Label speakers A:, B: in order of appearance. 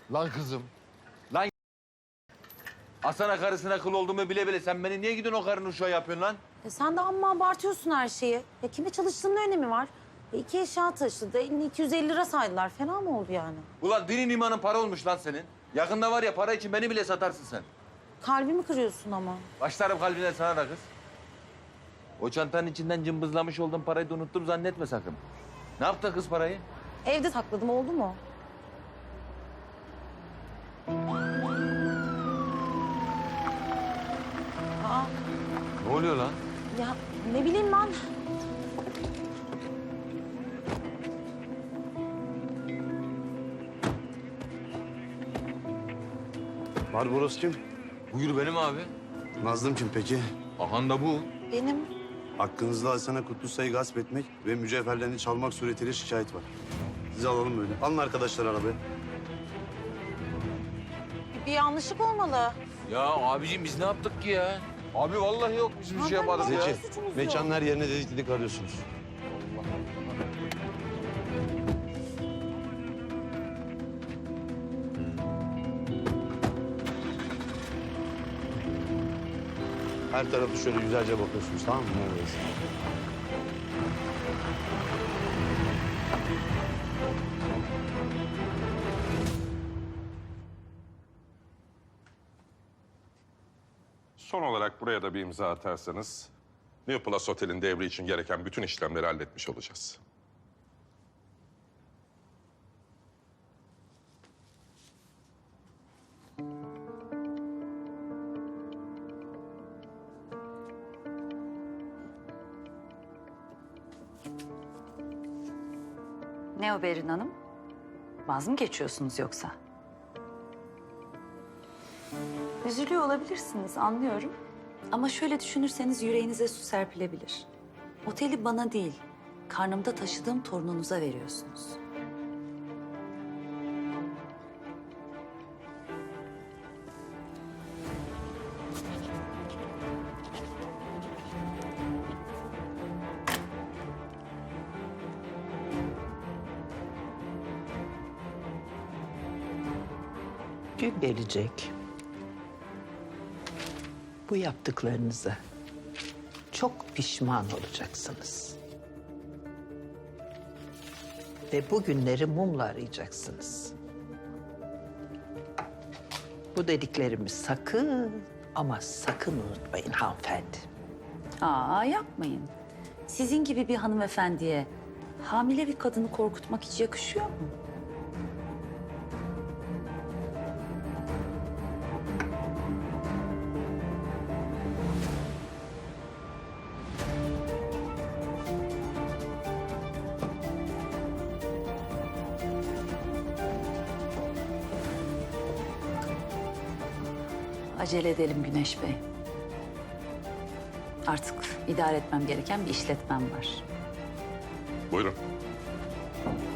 A: Lan kızım. Lan Asana karısına kıl olduğumu bile bile sen beni niye gidiyorsun o karının uşağı yapıyorsun lan?
B: Sen de amma abartıyorsun her şeyi. Ya kime çalıştığının önemi var. 2 eşya taşıdı. Eline 250 lira saydılar. Fena mı oldu yani?
A: Ulan dinin imanın para olmuş lan senin. Yakında var ya para için beni bile satarsın sen.
B: Kalbimi kırıyorsun ama.
A: Başlarım kalbine sana da kız. O çantanın içinden cımbızlamış olduğum parayı da unuttum zannetme sakın. Ne yaptı kız parayı?
B: Evde sakladım, oldu mu? Aa,
A: Ne oluyor lan?
B: ya ne bileyim ben.
C: Barbaros kim?
A: Buyur benim abi.
C: Nazlım kim peki?
A: Ahan da bu.
B: Benim
C: Hakkınızda Hasan'a Kutlusay'ı gasp etmek ve mücevherlerini çalmak suretiyle şikayet var. Sizi alalım böyle. Alın arkadaşlar arabaya.
B: bir yanlışlık olmalı.
A: Ya abiciğim biz ne yaptık ki ya? Abi vallahi yok biz bir şey yaparız ya.
C: Zeki,
B: suçumuz yok.
C: mekanın her yerine dedik dedik arıyorsunuz. Her tarafı şöyle güzelce bakıyorsunuz, tamam mı? Neredeyiz?
D: Son olarak buraya da bir imza atarsanız New Plus Otel'in devri için gereken bütün işlemleri halletmiş olacağız.
E: Ne o Berin Hanım? Vaz mı geçiyorsunuz yoksa? Üzülüyor olabilirsiniz, anlıyorum. Ama şöyle düşünürseniz yüreğinize su serpilebilir. Oteli bana değil, karnımda taşıdığım torununuza veriyorsunuz.
F: Gün gelecek. Bu yaptıklarınıza çok pişman olacaksınız. Ve bu günleri mumla arayacaksınız. Bu dediklerimi sakın ama sakın unutmayın hanımefendi.
E: Aa, yapmayın. Sizin gibi bir hanımefendiye hamile bir kadını korkutmak hiç yakışıyor mu? Acele edelim Güneş Bey. Artık idare etmem gereken bir işletmem var.
D: Buyurun.